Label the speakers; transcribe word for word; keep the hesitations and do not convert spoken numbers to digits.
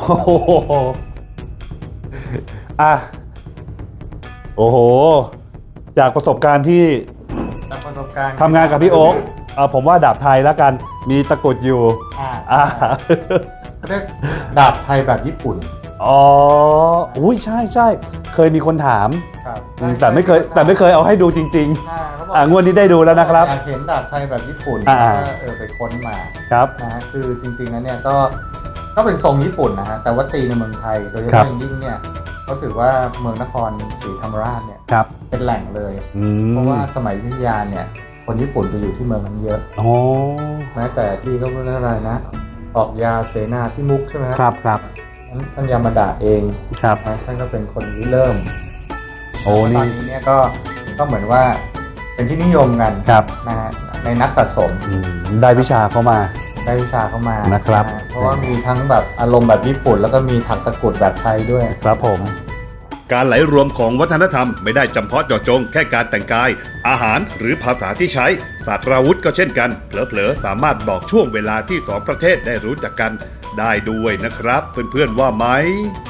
Speaker 1: โอ้โหอ่ะโอ้โหจากประสบการณ์ที่
Speaker 2: จากประสบการณ์
Speaker 1: ทำงานกับพี่โอ๊คเอ่อผมว่าดาบไทยแล้วกันมีตะกรุดอยู่
Speaker 2: อ่า
Speaker 1: อ่า
Speaker 2: เขาเรียกดาบไทยแบบญี่ปุ่น
Speaker 1: อ๋ออุ้ยใช่ใช่เคยมีคนถาม
Speaker 2: ครับ
Speaker 1: อืมแต่ไม่เคยแต่ไม่เคยเอาให้ดูจริง
Speaker 2: อ่าเขาบอก
Speaker 1: ๆอ่างวดนี้ได้ดูแล้วนะครับ
Speaker 2: อยากเห็นดาบไทยแบบญี่ปุ่น
Speaker 1: อ่า
Speaker 2: ก็เออไปค้นมา
Speaker 1: ครับ
Speaker 2: นะฮะคือจริงๆแล้วเนี่ยก็ก็เป็นทรงญี่ปุ่นนะฮะแต่ว่าตีในเมืองไทยโดยเฉ
Speaker 1: ครั
Speaker 2: พาะ
Speaker 1: บ
Speaker 2: อย่างยิ่งเนี่ยเขาถือว่าเมืองนครศรีธรรมราชเนี่ย
Speaker 1: ครับ
Speaker 2: เป็นแหล่งเลย
Speaker 1: อืม
Speaker 2: เพราะว่าสมัยอยุธยาเนี่ยคนญี่ปุ่นไปอยู่ที่เมืองนั้นเยอะ
Speaker 1: อ๋อ
Speaker 2: แม้แต่ที่เขาเรียกอะไรนะออกยาเสนาพิมุขใช่ไหม
Speaker 1: ครับครับ
Speaker 2: ท่านท่านยามาดาเอง
Speaker 1: ครับ
Speaker 2: นะท่านก็เป็นคนริเริ่ม
Speaker 1: โอ้
Speaker 2: ต
Speaker 1: นี่
Speaker 2: อนนี้เนี่ยก็ก็เหมือนว่าเป็นที่นิยมกัน
Speaker 1: ครับ
Speaker 2: นะฮะในนักสะสม
Speaker 1: อืมได้วิชาเข้ามา
Speaker 2: ได้วิชาเข้ามา
Speaker 1: นะครับ
Speaker 2: ฮเพราะว่ามีทั้งแบบอารมณ์แบบญี่ปุ่น แล้วก็มีถักตะกรุดแบบไทยด้วย
Speaker 1: ครับผม
Speaker 3: การไหลรวมของวัฒนธรรมไม่ได้จำเพาะเจาะจงแค่การแต่งกาย อาหารหรือภาษาที่ใช้ศาสตราวุธก็เช่นกัน เผลอๆสามารถบอกช่วงเวลาที่สองประเทศได้รู้จักกันได้ด้วยนะครับ เพื่อนๆว่าไหม